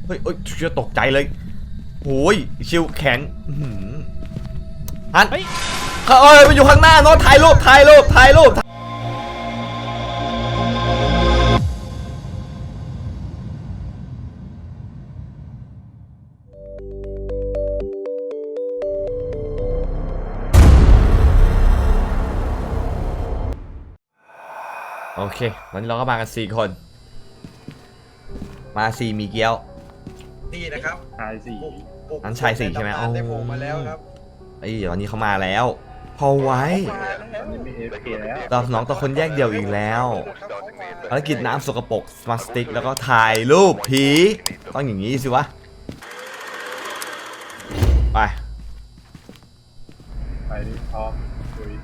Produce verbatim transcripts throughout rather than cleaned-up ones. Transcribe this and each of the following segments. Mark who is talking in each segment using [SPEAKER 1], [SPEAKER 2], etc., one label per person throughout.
[SPEAKER 1] เฮ้ยเฮ้ยเชื่อตกใจเลยโอ้ยชิวแขนฮันเฮ้ยเอ้ยมันอยู่ข้างหน้าโน้ตถ่ายรูปถ่ายรูปถ่ายรูปโอเควันนี้เราก็มากันสี่คนมาสี่มีเกี้ยว
[SPEAKER 2] นี่นะครับ
[SPEAKER 3] ชายสี่
[SPEAKER 1] นั้นชายสี่ใช่ไหมอ๋อ
[SPEAKER 2] ได้โผล่มาแล้วครับ
[SPEAKER 1] ไอ้วันนี้เขามาแล้วพอไว้เราน้องตะคนแยกเดี่ยวอีกแล้วภารกิจน้ำสกปรกสมาร์ทสติ๊กแล้วก็ถ่ายรูปผีต้องอย่างนี้สิวะไป
[SPEAKER 3] ไปดิพร้อมคุย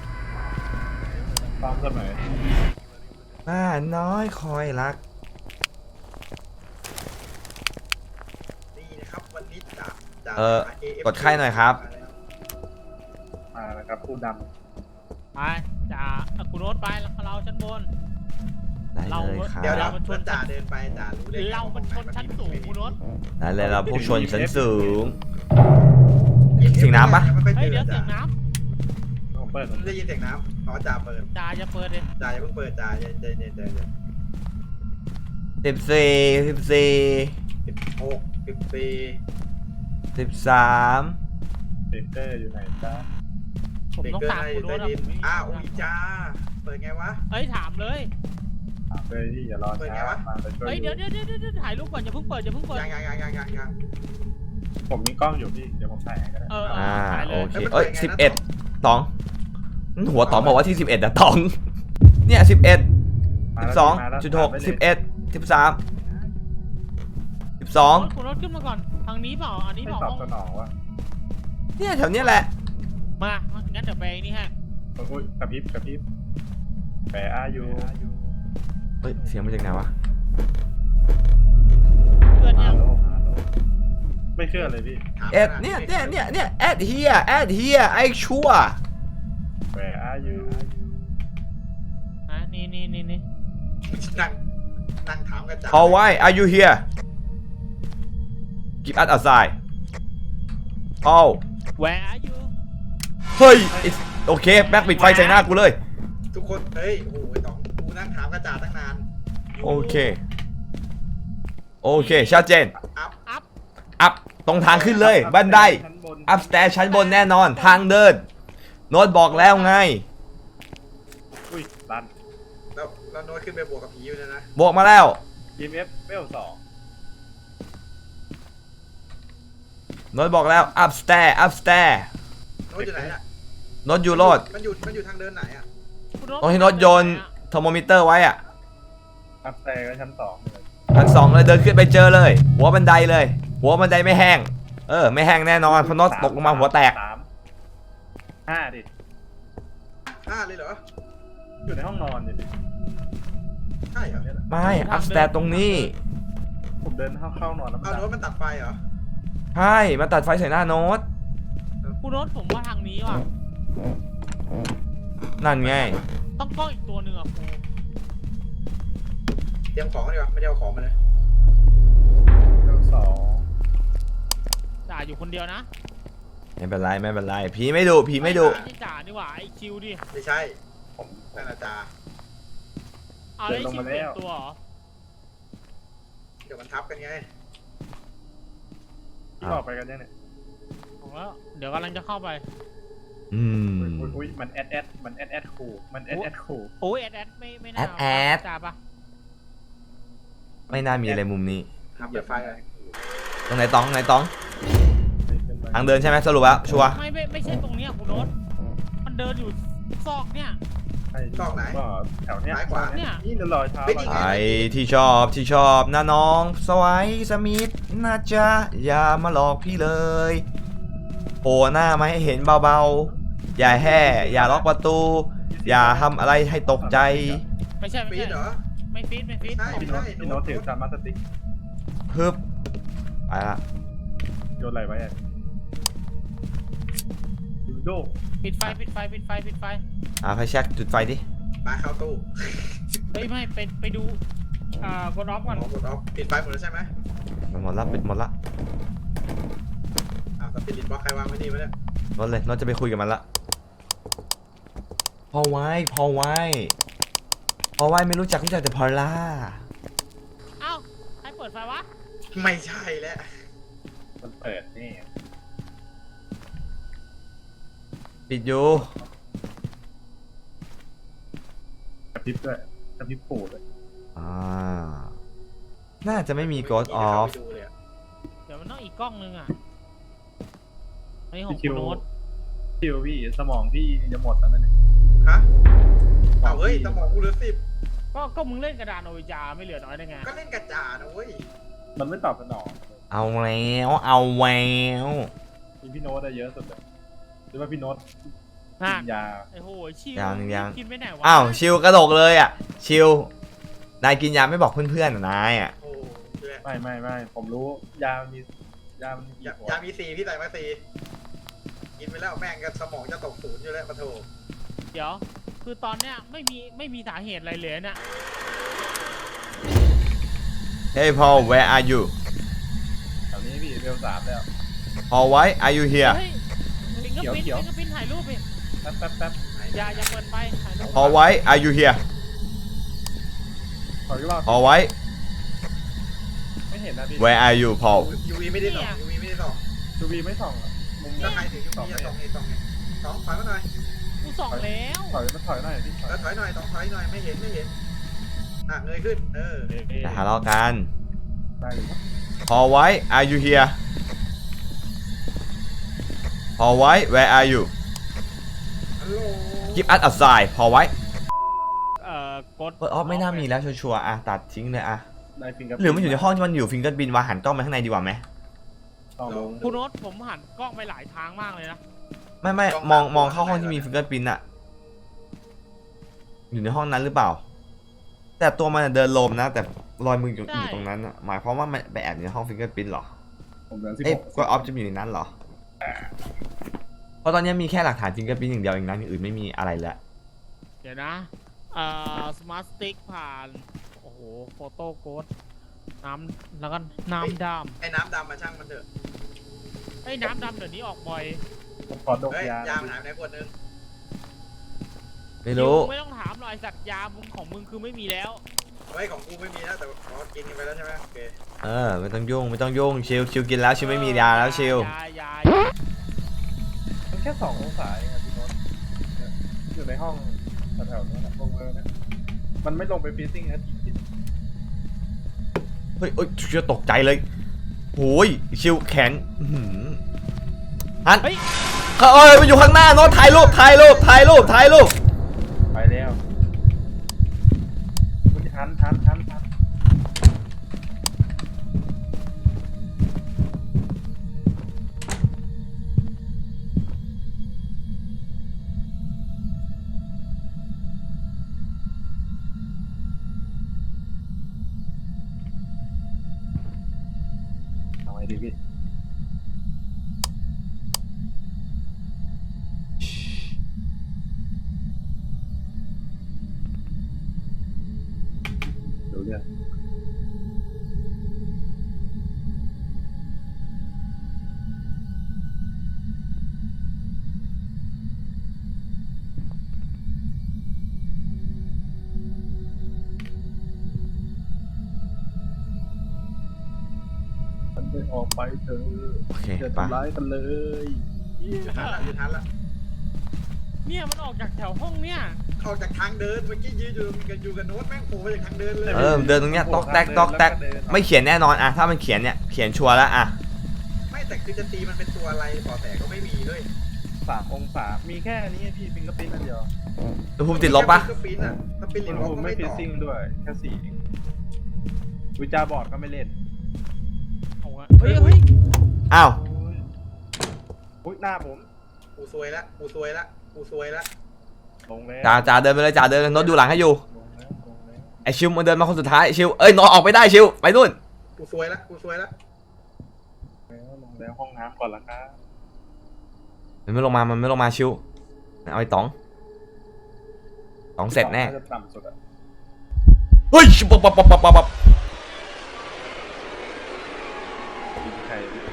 [SPEAKER 3] พร้อมเสมอ
[SPEAKER 1] บ้าน้อยคอยรัก
[SPEAKER 2] นี่นะครับวันนี้จ่า
[SPEAKER 1] เออกดไข่หน่อยครับ
[SPEAKER 3] มาแล้วครับผู้นำ
[SPEAKER 4] ไปจ่าคุณโน้ตไปแล้วเราชั้นบน
[SPEAKER 1] ได้เลยครับ
[SPEAKER 2] เดี๋ยวเราชวนจ่าเดินไปจ่ารู้เลย
[SPEAKER 4] เรามันชนชั้นสูงคุณโน้ต
[SPEAKER 1] ได้เลยเราพวกชนชั้นสูงเสียงน้ำปะ
[SPEAKER 4] เฮ้ยเดี๋ยวเสียงน้
[SPEAKER 3] ำผมเปิด
[SPEAKER 2] ได้ยินเสียงน้ำอ๋อจ่าเปิด
[SPEAKER 4] จ่าจะเปิดเลย
[SPEAKER 2] จ่าอย่าเพิ่งเปิดจ่าเย็นเย็นเย็นเย็น
[SPEAKER 1] สิบสี่สิบสี่
[SPEAKER 2] สิบหกสิบสี่
[SPEAKER 1] สิบสาม
[SPEAKER 3] เบเกอร์อยู่ไหนจ้า
[SPEAKER 4] ผมต้องถามคุณโน้ต
[SPEAKER 2] อ้าวอุ้ยจ้าเปิดไงวะ
[SPEAKER 4] เฮ้ยถามเลย
[SPEAKER 3] ถามเลยที่อย่ารอช้ามาไปช่วย
[SPEAKER 4] เฮ้ยเดี๋ยวเดี๋ยวเดี๋ยวถ่ายรูปก่อนอย่าเพิ่งเปิดอย่าเพิ่งเปิด
[SPEAKER 2] ยังยังยังยังยัง
[SPEAKER 3] ผมมีกล้องอยู่พี่เดี๋ยวผมถ่ายก็ได้
[SPEAKER 4] เออ
[SPEAKER 1] อ่าโอเคเอ้ยสิบเอ็ดตองหัวตองบอกว่าที่สิบเอ็ดอะตองเนี่ยสิบเอ็ดสิบสองจุดหกสิบเอ็ดสิบสามสิบสอง
[SPEAKER 4] คุณโน้ตขึ้นมาก่อนทางนี้เปล่าอันนี้เปล่า
[SPEAKER 3] ตอบสนองวะ
[SPEAKER 1] เนี่ยแถวนี้แหละ
[SPEAKER 4] มางั้นเดี๋ยวไปนี่ฮะ
[SPEAKER 3] อุ้ยกระพริบกระพริบแปะอายุ
[SPEAKER 1] เฮ้ยเสียงมาจากไหนวะ
[SPEAKER 4] เพื่อนยัง
[SPEAKER 3] ไม่เชื่อเลยพี่
[SPEAKER 1] แอดเนี่ยเนี่ยเนี่ยเนี่ยแอดเฮียแอดเฮียไอชัว
[SPEAKER 3] แปะอายุ
[SPEAKER 4] อ่ะนี่นี่นี่นี่
[SPEAKER 2] นั่งนั่งถามกันจ่า
[SPEAKER 1] How why are you here Keep us outside Oh
[SPEAKER 4] Where are you
[SPEAKER 1] เฮ้ยโอเคแบ็คปิดไฟใส่หน้ากูเลย
[SPEAKER 2] ทุกคนเฮ้ยโอ้โหต๋องกูนั่งถามกันจ่าตั้งนาน
[SPEAKER 1] โอเคโอเคชัดเจน
[SPEAKER 2] อัพ
[SPEAKER 4] อัพ
[SPEAKER 1] อัพตรงทางขึ้นเลยบันไดอัพสเตร์ชั้นบนแน่นอนทางเดินโน้ตบอกแล้วไง
[SPEAKER 3] อุ้ยรัน
[SPEAKER 2] แล้วแล้วโน้ตขึ้นไปบวกกับผีอยู่นะ
[SPEAKER 1] บวกมาแล้ว
[SPEAKER 3] อี เอ็ม เอฟ เวลสอง
[SPEAKER 1] โน้ตบอกแล้วอัพสเตร์อัพสเตร์
[SPEAKER 2] โน้ตอยู่ไหนอะ
[SPEAKER 1] โน้ตอยู่รอด
[SPEAKER 2] มันอยู่มันอยู่ทางเดินไหนอะ
[SPEAKER 1] ตรงที่โน้ตโยนเทอร์โมมิเตอร์ไว้อะ
[SPEAKER 3] อัพสเตร์ก็ชั้นสอง
[SPEAKER 1] ชั้นสองเลยเดินขึ้นไปเจอเลยหัวบันไดเลยหัวบันไดไม่แห้งเออไม่แห้งแน่นอนเพราะโน้ตตกลงมาหัวแตก
[SPEAKER 3] ห้าดิ
[SPEAKER 2] ห้าเลยเหรอ
[SPEAKER 3] อยู่ในห้องนอนดิ
[SPEAKER 2] ใช่เหรอ
[SPEAKER 1] ไม่อัพสเตร์ตรงนี้
[SPEAKER 3] ผมเดินเข้าเข้านอนแล้ว
[SPEAKER 2] เอาโน้ตมันตัดไฟเหรอ
[SPEAKER 1] ใช่มาตัดไฟใส่หน้าโน้ต
[SPEAKER 4] คุณโน้ตผมว่าทางนี้ว่ะ
[SPEAKER 1] นั่นไง
[SPEAKER 4] ต้องกล้องอีกตัวหนึ่งอ่ะครู
[SPEAKER 2] เตรียมของดีกว่าไม่ได้เอาของมาเลย
[SPEAKER 3] เจ้าสอง
[SPEAKER 4] จ่าอยู่คนเดียวนะ
[SPEAKER 1] ไม่เป็นไรไม่เป็นไรผีไม่ดุผีไม่ดุ
[SPEAKER 4] ไม่ใช่จ่าดีกว่าไอคิวดิ
[SPEAKER 2] ไม่ใช่ผมนั่นอาจารย์
[SPEAKER 4] เอาไอคิวเปลี่ยนตัวเหรอ
[SPEAKER 2] เดี๋ยวมันทับกันไง
[SPEAKER 3] ที่ออกไปกันยังเนี่ย
[SPEAKER 4] ผมว่าเดี๋ยวกำลังจะเข้าไป
[SPEAKER 1] อืม
[SPEAKER 3] อุ้ยมันแอดแอดมันแอดแอดคูมันแอดแอดคู
[SPEAKER 4] โอ้ยแอดแอดไม่ไม่น่า
[SPEAKER 1] แอดแอด
[SPEAKER 4] จ่าปะ
[SPEAKER 1] ไม่น่ามีอะไรมุมนี้
[SPEAKER 2] ทับเปิดไฟเลย
[SPEAKER 1] ตรงไหนตองไหนตองทางเดินใช่ไหมสรุปแล้วชัวร์
[SPEAKER 4] ไม่ไม่ไม่ใช่ตรงนี้คุณโน้ตมันเดินอยู่ซอกเนี่ย
[SPEAKER 2] ซอกไหน
[SPEAKER 3] แถวเนี้ย
[SPEAKER 2] ขวา
[SPEAKER 4] เนี่ย
[SPEAKER 3] นี่รอยเท้า
[SPEAKER 1] ไอที่ชอบที่ชอบนะน้องสวายสมิธนะจ๊ะอย่ามาหลอกพี่เลยโผล่หน้ามาให้เห็นเบาๆอย่าแห่อย่าล็อกประตูอย่าทำอะไรให้ตกใจ
[SPEAKER 4] ไม่ใช่ไม่ใช่
[SPEAKER 2] เหรอ
[SPEAKER 4] ไม่ฟีดไม่ฟีด
[SPEAKER 3] พี่โน้ตพี่โน้ตถือสามารถสติ๊ก
[SPEAKER 1] ฮึบไปละ
[SPEAKER 3] โยนอะไรไว้อะดูโด
[SPEAKER 4] ปิดไฟปิดไฟปิดไฟปิดไฟ
[SPEAKER 1] อ่าไฟแช็กจุดไฟดิ
[SPEAKER 2] มาเข้าตู้
[SPEAKER 4] เฮ้ยไม่ไปไปดูอ่ากดออฟก่อน
[SPEAKER 2] กดออฟปิดไฟหมดแล้วใช่ไหม
[SPEAKER 1] หมดละปิดหมดละ
[SPEAKER 2] อ้าวสปิริตบล็อกใครวางไว้นี่วะเนี่ย
[SPEAKER 1] รถเลยรถจะไปคุยกับมันละพอไว้พอไว้พอไว้ไม่รู้จักรู้จักแต่พอล่า
[SPEAKER 4] เอ้าใครเปิดไฟวะ
[SPEAKER 2] ไม่ใช่แล้ว
[SPEAKER 3] มันเปิดนี่
[SPEAKER 1] ปิดอยู่
[SPEAKER 3] กระพริบด้วยกระพริบปูเลย
[SPEAKER 1] อ่าน่าจะไม่มี Ghost Off
[SPEAKER 2] ไม่เข้าไปดูเลยอะ
[SPEAKER 4] เดี๋ยวมันต้องอีกกล้องนึงอ่ะอันนี้ของ
[SPEAKER 3] พี่คิ
[SPEAKER 4] คุ
[SPEAKER 3] ว
[SPEAKER 4] ณโน้ต
[SPEAKER 3] คิวพี่สมองพี่จะหมดแล้วนะเนี่ย
[SPEAKER 2] ฮะเอาเฮ้ยสมองกูเหลือสิบ
[SPEAKER 4] ก็ก็มึงเล่นกระดานโอวิจาไม่เหลือน้อยได้ไง
[SPEAKER 2] ก็เล่นกระจาดนะเว้ย
[SPEAKER 3] มันไม่ตอบสนอง
[SPEAKER 1] เอาแล้วเอาแวว
[SPEAKER 3] มีพี่โน้ตได้เยอะสุดเลยหรือว่าพี่โน้ต
[SPEAKER 4] ฮะ
[SPEAKER 3] กินยา
[SPEAKER 4] ไอ้โหชิว
[SPEAKER 1] ยังยัง
[SPEAKER 4] กินไปไหนวะ
[SPEAKER 1] อ้าวชิวกระโดกเลยอ่ะชิวนายกินยาไม่บอกเพื่อนๆเหรอนายอ่ะ
[SPEAKER 2] โอ้ยแหละ
[SPEAKER 3] ไม่ไม่ไม่ผมรู้ยามันมียามันมี
[SPEAKER 2] ยา
[SPEAKER 3] กี่หัวย
[SPEAKER 2] ามีสี่พี่ใส่มาสี่กินไปแล้วแม่งกันสมองจะตกศูนย์อยู่แล้วปะโถ
[SPEAKER 4] เดี๋ยว คือตอนเนี้ยไม่มีไม่มีสาเหตุอะไรเลยเนี่ย
[SPEAKER 1] Hey Paul where are you
[SPEAKER 3] แถวนี้พี่เวลสามแล้ว
[SPEAKER 1] Paul why are you here
[SPEAKER 4] เฮ้ยฟิงเกอร์พิ้น
[SPEAKER 3] เขียว
[SPEAKER 4] ฟิงเกอร์พิ้นถ่ายรูปไป
[SPEAKER 3] แป๊บแป๊บแป๊บ
[SPEAKER 4] อย่าอย่าเปิดไฟถ่ายรูป
[SPEAKER 1] Paul why are you here
[SPEAKER 3] ขออีกรอบ
[SPEAKER 1] Paul why
[SPEAKER 3] ไม่เห็นนะพี่
[SPEAKER 1] where are you Paul
[SPEAKER 2] ยูวีไม่ได้ส่องยูวีไม่ได้ส่อง
[SPEAKER 3] ดูวีไม่ส่องอะมุม
[SPEAKER 2] ถ้าใครถือยูวีจะส่องเองส่องเองสองถอยมาหน่อย
[SPEAKER 4] กูส่องแล้ว
[SPEAKER 3] ถอยมาถอยหน่อยพี่ถอย
[SPEAKER 2] แล้วถอยหน่อยต้องถอยหน่อยไม่เห็นไม่เห็นอ่ะเงยขึ้นเออ
[SPEAKER 3] เอ๊ะ
[SPEAKER 1] อย่าทะเลาะกัน
[SPEAKER 3] ได้เลย
[SPEAKER 1] Paul why are you here Paul why where are you
[SPEAKER 2] ฮัลโหล
[SPEAKER 1] Give us a sign Paul why
[SPEAKER 4] เอ่อกด
[SPEAKER 1] เปิดออฟไม่น่ามีแล้วชัวร์ๆอ่ะตัดทิ้งเลยอ่ะ
[SPEAKER 3] ได้ฟิงเกอร์
[SPEAKER 1] หรือมันอยู่ในห้องที่มันอยู่ฟิงเกิลบินวางหันกล้องไปข้างในดีกว่าไหม
[SPEAKER 3] ลองลง
[SPEAKER 4] คุณโน้ตผมหันกล้องไปหลายทางมากเลยนะ
[SPEAKER 1] ไม่ไม่มองมองเข้าห้องที่มีฟิงเกิลบินอะอยู่ในห้องนั้นหรือเปล่า แต่ตัวมันอะเดินลมนะ แต่รอยมืออยู่อยู่ตรงนั้นอะหมายความว่ามันไปแอบอยู่ในห้องฟิงเกิลบินหรอ
[SPEAKER 3] ผมเดินสิบ
[SPEAKER 1] เอ๊ะ
[SPEAKER 3] หก
[SPEAKER 1] ก็ออฟจะอยู่ในนั้นเหรอ เพราะตอนนี้มีแค่หลักฐานฟิงเกิลบินอย่างเดียวเองนะอย่างอื่นไม่มีอะไรแล้ว
[SPEAKER 4] เดี๋ยวนะเอ่อสมาร์ทสติ๊กผ่าน โอ้โห โฟโต้โค้ดน้ำแล้วก็น้ำด
[SPEAKER 2] ไอ้น้ำดำมาช่างมันเถอะ
[SPEAKER 4] ำไอ้ยน้ำดำเดี๋ยวนี้ออกบ่อย
[SPEAKER 3] ผมขอดก
[SPEAKER 2] เฮ้ย
[SPEAKER 3] ยาย
[SPEAKER 2] ามันหายไปไหนขวดนึง
[SPEAKER 1] ไม่รู้
[SPEAKER 4] มึงไม่ต้องถามหรอกไอ้สัตว์ยามึงของมึงคือไม่มีแล้ว
[SPEAKER 2] เฮ้ยของกูไม่มีแล้วแต่ขอกินกันไปแล้วใช่ไหมโอเค
[SPEAKER 1] เออไม่ต้องยุ่งไม่ต้องยุ่งชิลชิลกินแล้วชิลไม่มียาแล้วชิล
[SPEAKER 4] ยายา
[SPEAKER 3] มันแค่สององศาเองอะพี่โน้ตเนี่ยอยู่ในห้องแถวๆนั้นอะลงเลยนะมันไม่ลงไปฟีซิ่งนะจริง
[SPEAKER 1] เฮ้ยเอ้ยชิลตกใจเลยโอ้ยชิลแขนอื้อหือฮัน
[SPEAKER 4] เฮ้ย
[SPEAKER 1] เอ้ยมันอยู่ข้างหน้าโน้ตถ่ายรูปถ่ายรูปถ่ายรูปถ่ายรูป
[SPEAKER 3] ๆไปแล้วคุณทันทันทันทันเอาไงดีพี่ดูเนี่ยมันไปออกไปเถอะ
[SPEAKER 1] โอเค
[SPEAKER 3] อย่า
[SPEAKER 1] ไป
[SPEAKER 3] ทำร้ายกันเลย
[SPEAKER 2] อยู่ทันละอยู่ทันละ
[SPEAKER 4] เนี่ยมันออกจากแถวห้องเนี่ย
[SPEAKER 2] ออกจากทางเดินเมื่อกี้ยืนอยู่กันอยู่กับโน้ตแม่งโผล่มาจากทางเดินเลย
[SPEAKER 1] เออเดินตรงเนี้ยตอกแตกตอกแตกไม่เขียนแน่นอนอะถ้ามันเขียนเนี่ยเขียนชัวร์แล้วอะ
[SPEAKER 2] ไม่แต่คือจะตีมันเป็นตัวอะไรปอแต่ก็ไม่มีเลย
[SPEAKER 3] สามองศา มีแค่นี้พี่ฟิงเกอร์ปิ้นอันเดียว
[SPEAKER 1] อุณหภูมิติดลบปะ
[SPEAKER 2] ก็ปิ้นอ่ะสปิริ
[SPEAKER 3] อุ
[SPEAKER 2] ต
[SPEAKER 3] ณห
[SPEAKER 2] บล็อก
[SPEAKER 3] ภูมิ
[SPEAKER 2] ก็
[SPEAKER 3] ไม่
[SPEAKER 2] ไม่
[SPEAKER 3] ฟิ
[SPEAKER 2] ต่อ
[SPEAKER 3] ซิ่งด้วย แค่สี่เองวิจาบอร์ดก็ไม่เล่น
[SPEAKER 4] เอาอะเฮ้ยเฮ้ย
[SPEAKER 1] อ้าว
[SPEAKER 3] อุ้ยหน้าผม
[SPEAKER 2] กูซวยละกูซวยละกูซวยละ
[SPEAKER 3] ลงแล้ว
[SPEAKER 1] จ่าจ่าเดินไปเลยจ่าเดินโน้ตดูหลังให้อยู่
[SPEAKER 3] ลงแล้วลงแล้ว
[SPEAKER 1] ไอชิวมันเดินมาคนสุดท้ายชิวเอ้ยโน้ตออกไปได้ชิวไปนู่น
[SPEAKER 2] กูซวยละกูซวยละ
[SPEAKER 3] แล้วลงแล้วห้องน้ำก่อนละครับ
[SPEAKER 1] มันไม่ลงมามันไม่ลงมาชิวเอาไอ้ต๋องต๋องเสร็จแน่
[SPEAKER 3] จะต่ำสุดอะ
[SPEAKER 1] เฮ้ยชิวปับปับปับปับปับ
[SPEAKER 3] กินใคร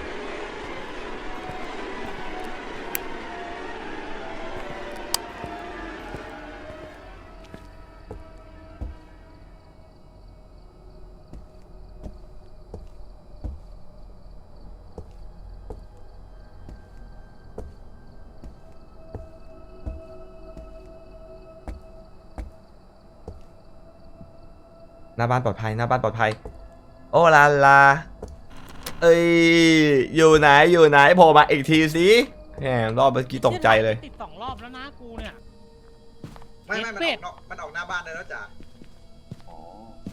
[SPEAKER 1] หน้าบ้านปลอดภัยหน้าบ้านปลอดภัยโอ้ลาลาเอ้ยอยู่ไหนอยู่ไหนโผล่มาอีกทีสิแหมรอบเมื่อกี้ตกใจเลย
[SPEAKER 4] ติดสองรอบแล้วนะกูเนี่ย
[SPEAKER 2] ไม่ไม่มัน
[SPEAKER 4] เจ็
[SPEAKER 2] อ
[SPEAKER 4] ด
[SPEAKER 2] อกนอกมันออกหน้าบ้านได้แล้วจ้ะ
[SPEAKER 3] อ๋อ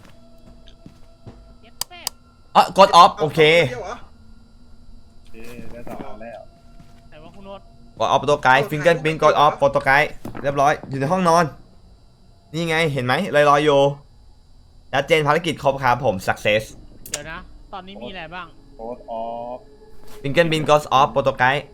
[SPEAKER 4] เจ็ดเป็ด
[SPEAKER 1] อ๋อกดออฟโอเค
[SPEAKER 2] ดียวหรอ
[SPEAKER 3] โอเคได้สองอันแล้ว
[SPEAKER 4] แต่ว่าคุณโน้ต
[SPEAKER 1] กดออฟโปรโตไกด์ฟิงเกิลปินกดออฟโปรโตไกด์เรียบร้อยอยู่ในห้องนอน นี่ไงเห็นไหมลอยลอยอยู่ชัดเจนภารกิจครบครับผม success
[SPEAKER 4] เดี๋ยวนะ ตอนนี้มีอะไรบ้าง
[SPEAKER 3] โค้ดออฟ
[SPEAKER 1] ฟิงเกิลปินกดออฟโปรโตไกด์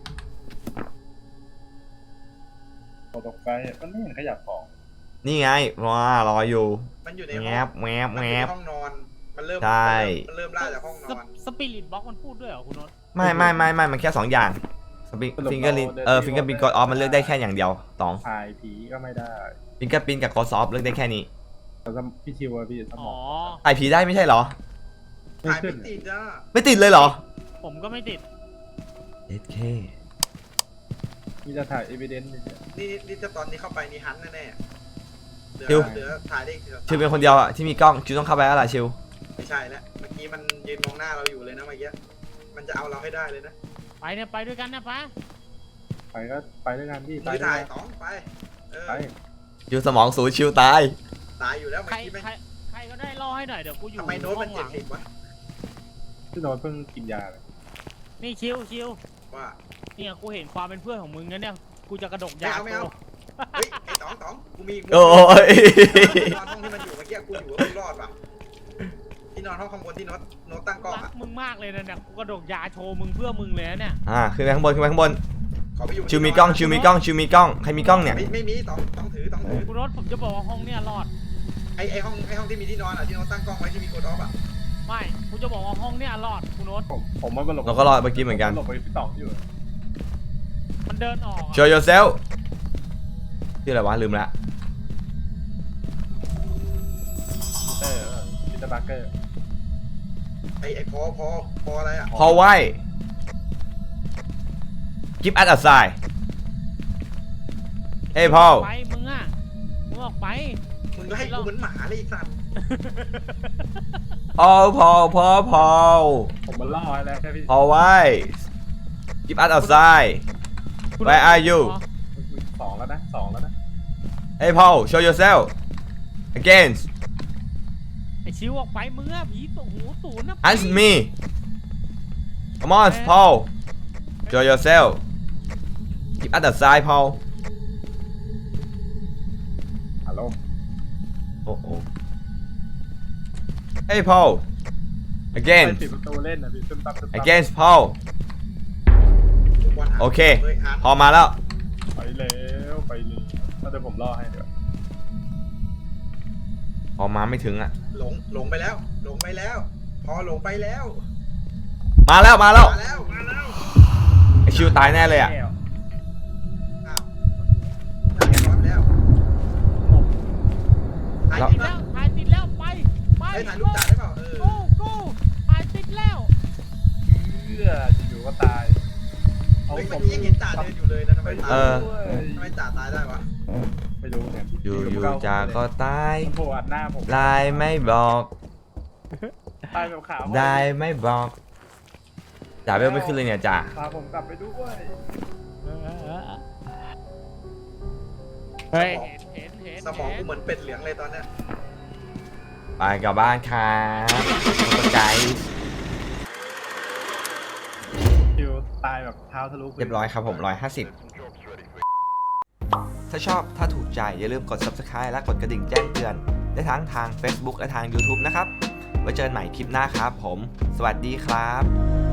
[SPEAKER 3] โปรโตไกด์มันไม่เห็นขยับของ
[SPEAKER 1] นี่ไงว้ารออยู่
[SPEAKER 2] มันอยู่ใน
[SPEAKER 1] แง
[SPEAKER 2] ห้อง
[SPEAKER 1] บแงบ
[SPEAKER 2] มัน
[SPEAKER 1] แง
[SPEAKER 2] อยู่
[SPEAKER 1] บ
[SPEAKER 2] ในห้องนอนมันเริ่ม
[SPEAKER 1] ใช่
[SPEAKER 2] มันเริ่มล่าจากห้องนอน
[SPEAKER 4] สปิริตบ็อกมันพูดด้วยเหรอคุณโน้ต
[SPEAKER 1] ไม่ไม่ไม่ไม่มันแค่สองอย่างฟิงเกิลลินเออฟิงเกิลปินกดออฟมันเลือกได้แค่อย่างเดียวสอง
[SPEAKER 3] ถ่ายผีก็ไม่ได้
[SPEAKER 1] ฟิงเกิลปินกับกดออฟเลือกได้แค่นี้
[SPEAKER 3] แต่พี่ชิวอะพี่สม
[SPEAKER 4] อ๋
[SPEAKER 3] อ
[SPEAKER 4] อ
[SPEAKER 3] ง
[SPEAKER 1] ไอผีได้ไม่ใช่เหรอ
[SPEAKER 3] ไม่
[SPEAKER 2] ถ่าย
[SPEAKER 3] ขึ้
[SPEAKER 2] ไม่
[SPEAKER 3] น
[SPEAKER 2] ติดจ้า
[SPEAKER 1] ไม่ติดเลยเหรอ
[SPEAKER 4] ผมก็ไม่ติด
[SPEAKER 1] เอสเค
[SPEAKER 3] มีจะถ่ายเอวิเดนซ์เนี่ย
[SPEAKER 2] นี่นี่ถ้าตอนนี้เข้าไปนี่ฮันแน่ๆเหลื
[SPEAKER 1] ชิว
[SPEAKER 2] อเหลือถ่ายได้อีก
[SPEAKER 1] ชิวเป็นคนเดียวอะที่มีกล้องชิวต้องเข้าไปแล้วล่ะชิว
[SPEAKER 2] ไม่ใช่แล้วเมื่อกี้มันยืนมองหน้าเราอยู่เลยนะเมื่อกี้มันจะเอาเราให้ได้เลยนะ
[SPEAKER 4] ไปเนี่ยไปด้วยกันนะไป
[SPEAKER 3] ไปก็ไปด้วยกันพี่
[SPEAKER 2] มือ
[SPEAKER 3] ด้ว
[SPEAKER 2] ถ่าย
[SPEAKER 3] กัน
[SPEAKER 2] ต๋องไปเออ
[SPEAKER 3] ไป
[SPEAKER 1] ชิวสมองสูญชิวตาย
[SPEAKER 2] ตายอยู่แล้ว
[SPEAKER 4] ใค
[SPEAKER 2] เมื่อกี้ไม่
[SPEAKER 4] รใครใครก็ได้ล่อให้หน่อยเดี๋ยวกูอยู่
[SPEAKER 2] ทำไมโน้ต
[SPEAKER 4] ห้
[SPEAKER 2] มั
[SPEAKER 4] อน งห
[SPEAKER 2] เจ็ด
[SPEAKER 4] ลัง
[SPEAKER 2] สิบวะ
[SPEAKER 3] พี่โน้ตเพิ่งกินยาเลย
[SPEAKER 4] นี่ชิวชิว
[SPEAKER 2] ว่า
[SPEAKER 4] เนี่ยกูเห็นความเป็นเพื่อนของมึงนะเนี่ยกูจะกระดก
[SPEAKER 2] ไม่
[SPEAKER 4] ยา
[SPEAKER 2] เอาไม่เอา
[SPEAKER 4] กู
[SPEAKER 2] เฮ้ยไอ้ต๋องต๋องกูมี
[SPEAKER 1] โอ้ย
[SPEAKER 2] ที่นอนห้องที่มันอยู่เมื่อกี้กูอยู่ว่ากูรอดว่ะที่นอนห้องข้างบนที่โน้ตโน้ตตั้งกล้อง
[SPEAKER 4] รัก
[SPEAKER 2] อ่ะ
[SPEAKER 4] มึงมากเลยนะเนี่ยกูกระดกยาโชว์มึงเพื่อมึงเลยนะเนี่ย
[SPEAKER 1] อ่าขึ้นไปข้างบนขึ้นไปข้างบน
[SPEAKER 2] ขอไปอยู่
[SPEAKER 1] ชิวมีกล้องชิวมีกล้องชิวมีกล้องใครมีกล้องเนี่ย
[SPEAKER 2] ไม่ไม่มีต๋องต๋องถือต๋องถือ
[SPEAKER 4] คุณโน้ตผมจะบอกว่าห้องเนี่ยรอด
[SPEAKER 2] ไอ้ไอ้ห้องไอ้ห้องที่มีที่นอนอ่ะที่โน้ตตั้งกล้องไว้ที่มีกดออฟอ่ะ
[SPEAKER 4] ไม่กูจะบอกว่าห้องเนี่ยรอดคุณโน้ต
[SPEAKER 3] ผมผมมันหลบ
[SPEAKER 1] เราก็รอดเมื่อกี้เหมือนกัน
[SPEAKER 3] หลบไปพี่ต๋องอยู่
[SPEAKER 4] มันเดินออกอะ
[SPEAKER 1] show yourself ชื่ออะไรวะลืมละ
[SPEAKER 3] เออพีเตอร์บาร์เกอร์
[SPEAKER 2] ไอ้ไอ้พอพอพออะไรอ่ะ
[SPEAKER 1] พอไว้ give us a sign เฮ้ยพ่อ
[SPEAKER 4] ไปมึงอ่ะมึงออกไป
[SPEAKER 2] มึงก็ให้กูเหมือนหมาเลยไอ้สัตว์
[SPEAKER 1] พอพอพอพอ
[SPEAKER 3] ผมมันล่อให้แล้วแค่พี่
[SPEAKER 1] พอไว้ give us a sign
[SPEAKER 4] คุณ
[SPEAKER 1] Where are you
[SPEAKER 3] สองแล้วนะสองแล้วนะ
[SPEAKER 1] เฮ้ยพ่อ show yourself again
[SPEAKER 4] ไอชิวออกไปมึงอ่ะผีตัวหูตูนนะ
[SPEAKER 1] answer me come on Paul show yourself give us a sign Paul
[SPEAKER 3] ฮัลโหล
[SPEAKER 1] โอ้โห Hey Paul
[SPEAKER 3] ไป
[SPEAKER 1] again
[SPEAKER 3] ปิดประตูเล่นนะพี่ตึ้มตับตึ้มตับ
[SPEAKER 1] again Paul
[SPEAKER 2] ทุกวันหา
[SPEAKER 1] โอเค
[SPEAKER 2] ฮ้ยหา
[SPEAKER 1] พอมาแล้ว
[SPEAKER 3] ไปแล้วไปเลยถ้าเดี๋ยวผมล่อให้เดี๋ยว
[SPEAKER 1] พอมาไม่ถึงอ่ะ
[SPEAKER 2] หลงหลงไปแล้ว หลงไปแล้ว พอหลงไปแล้ว
[SPEAKER 1] มาแล้วมาแล้ว
[SPEAKER 2] มาแล้วมาแล้ว
[SPEAKER 1] ไอชิวตายแน่เลยอ่ะ
[SPEAKER 2] อ้าวถ่ายรอบแล้วถ่าย
[SPEAKER 1] แล้ว
[SPEAKER 2] ติด
[SPEAKER 4] แล้
[SPEAKER 2] แล้ว
[SPEAKER 4] วถ่ายติดแล้วไปไป
[SPEAKER 2] เฮ้ยถ่ายรูปจ่าได้เปล่าเออ
[SPEAKER 4] กูกูถ่ายติดแล้ว
[SPEAKER 3] เชื่ออยู่ก็ตาย
[SPEAKER 2] เฮ้ยเมื่อกี้ยังเห็นจ่าเดินอยู่เลยนะทำไมตาย
[SPEAKER 1] เออ
[SPEAKER 2] ทำไมจ่าตายได้วะ
[SPEAKER 3] ไม่รู้เนี่ย
[SPEAKER 1] อยู่อยู่จาก็ตาย
[SPEAKER 3] มันโผล่อัดหน้าผม
[SPEAKER 1] ลายไม่บอก
[SPEAKER 3] ตายแบบขาว
[SPEAKER 1] ได้ไม่บอกจ่าเวลไม่ขึ้นเลยเนี่ยจ่า
[SPEAKER 3] พาผมกลับไปด้วย
[SPEAKER 4] เฮ้ยเห็นเห็นเห็น
[SPEAKER 2] สมองกูเหมือนเป็ดเหลืองเลยตอนเนี้ย
[SPEAKER 1] ไปกลับบ้านครับตกใจ
[SPEAKER 3] คิวตายแบบเท้าทะลุ
[SPEAKER 1] เรียบร้อยครับผมร้อยห้าสิบถ้าชอบถ้าถูกใจอย่าลืมกด subscribe และกดกระดิ่งแจ้งเตือนได้ทั้งทาง Facebook และทาง YouTube นะครับไว้เจอกันใหม่คลิปหน้าครับผม สวัสดีครับ